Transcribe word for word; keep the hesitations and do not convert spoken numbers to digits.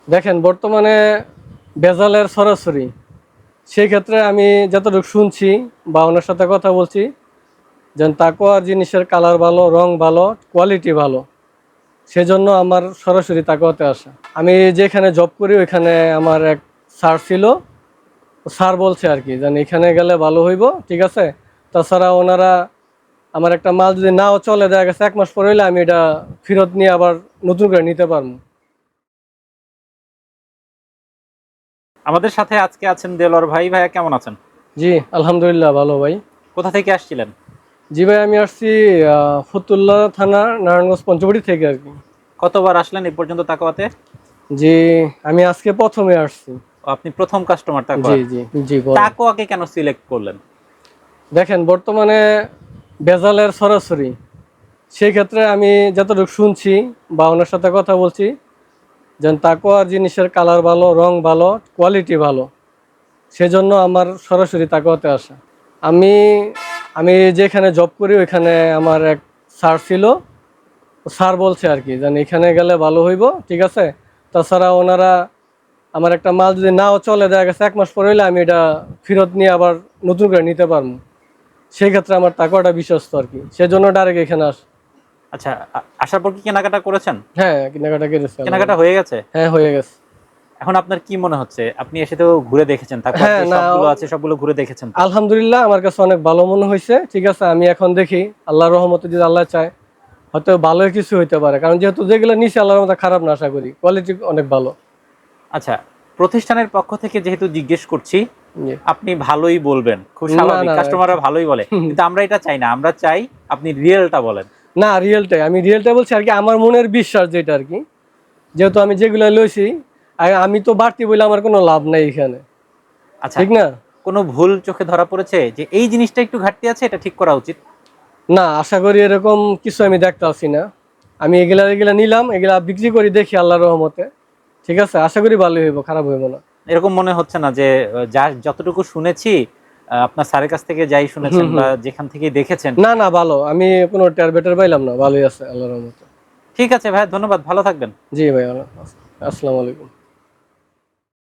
দেখেন বর্তমানে ভেজালের সরাসরি সেই ক্ষেত্রে আমি যতটুকু শুনছি বা ওনার সাথে কথা বলছি যেন তাকোয়ার জিনিসের কালার ভালো, রং ভালো, কোয়ালিটি ভালো, সেজন্য আমার সরাসরি তাকোয়াতে আসা। আমি যেখানে জব করি ওইখানে আমার এক স্যার ছিল, স্যার বলছে আর কি যেন এখানে গেলে ভালো হইব, ঠিক আছে। তাছাড়া ওনারা আমার একটা মাল যদি নাও চলে, দেখা গেছে এক মাস পরে হইলে আমি এটা ফেরত নিয়ে আবার নতুন করে নিতে পারবো। আমাদের সাথে আজকে আছেন দেলোয়ার ভাই। ভাইয়া কেমন আছেন? জি আলহামদুলিল্লাহ ভালো ভাই। কোথা থেকে আসছিলেন? জি ভাই, আমি আসছি ফতুল্লা থানা, নারায়ণগঞ্জ পঞ্চবটি থেকে আর কি। কতবার আসলেন এই পর্যন্ত তাকওয়াতে? জি আমি আজকে প্রথমে আসছি। ও, আপনি প্রথম কাস্টমার জি তাকওয়ার? জি জি বলেন। তাকওয়াকে কেন সিলেক্ট করলেন? দেখেন বর্তমানে ভেজালের সরাসরি সেই ক্ষেত্রে আমি যতটুকু শুনছি বা ওনার সাথে কথা বলছি যেন তাকোয়ার জিনিসের কালার ভালো, রং ভালো, কোয়ালিটি ভালো, সেজন্য আমার সরাসরি তাকওয়াতে আসা। আমি আমি যেখানে জব করি ওইখানে আমার এক স্যার ছিল, স্যার বলছে আর কি যেন এখানে গেলে ভালো হইব, ঠিক আছে। তাছাড়া ওনারা আমার একটা মাল যদি নাও চলে, দেখা গেছে এক মাস পরে হইলে আমি এটা ফেরত নিয়ে আবার নতুন করে নিতে পারবো। সেই ক্ষেত্রে আমার তাকওয়াটা বিশ্বস্ত আর কি, সেজন্য ডাইরেক্ট এখানে আস। আচ্ছা, আ- আসার পর কি কেনাকাটা করেছেন? হ্যাঁ কেনাকাটা করেছে। কেনাকাটা হয়ে গেছে? হ্যাঁ হয়ে গেছে। এখন আপনার কি মনে হচ্ছে? আপনি এসে তো ঘুরে দেখেছেন, তাকওয়ার হ্যাঁ যে না, সবগুলো আছে সবগুলো ঘুরে দেখেছেন তো? আলহামদুলিল্লাহ আমার কাছে অনেক ভালো মনে হয়েছে, ঠিক আছে। আমি এখন দেখি আল্লাহর রহমতে যদি আল্লাহ চায় হয়তো ভালোই কিছু হইতে পারে, কারণ যেহেতু যেগুলো নিচে আল্লাহর রহমতে খারাপ না, আশা করি কোয়ালিটি অনেক ভালো। আচ্ছা, প্রতিষ্ঠানের পক্ষ থেকে যেহেতু জিজ্ঞেস করছি, জি। আপনি ভালোই বলবেন, খুব না স্বাভাবিক, না কাস্টমাররা ভালোই বলে। কিন্তু আমরা এটা চাই না, আমরা চাই আপনি রিয়েলটা বলেন। না রিয়েলটাই, আমি রিয়েলটাই বলছি আর কি, আমার মনের বিশ্বাস যেটা আর কি। যেহেতু আমি যেগুলো লইছি, আর আমি তো বাড়তি বলে আমার কোনো লাভ নাই এখানে, আচ্ছা, ঠিক না। কোনো ভুল চোখে ধরা পড়েছে যে এই জিনিসটা একটু ঘাটতি আছে, এটা ঠিক করা উচিত? না আশা করি এরকম কিছু আমি দেখতে আসি না। আমি এগুলা এগুলা নিলাম, এগুলা বিক্রি করি দেখি আল্লাহর রহমতে, ঠিক আছে। আশা করি ভালোই হইব, খারাপ হইব না। এরকম মনে হচ্ছে না যে আহ, যা যতটুকু শুনেছি, আহ, আপনার স্যারের কাছ থেকে যাই শুনেছেন হুম বা হুম যেখান থেকে দেখেছেন? না না ভালো, আমি কোনো টের বেটার পাইলাম না, ভালোই আছে আল্লাহর রহমতে। ঠিক আছে ভাই, ধন্যবাদ, ভালো থাকবেন। জি ভাই, আসসালামু আলাইকুম।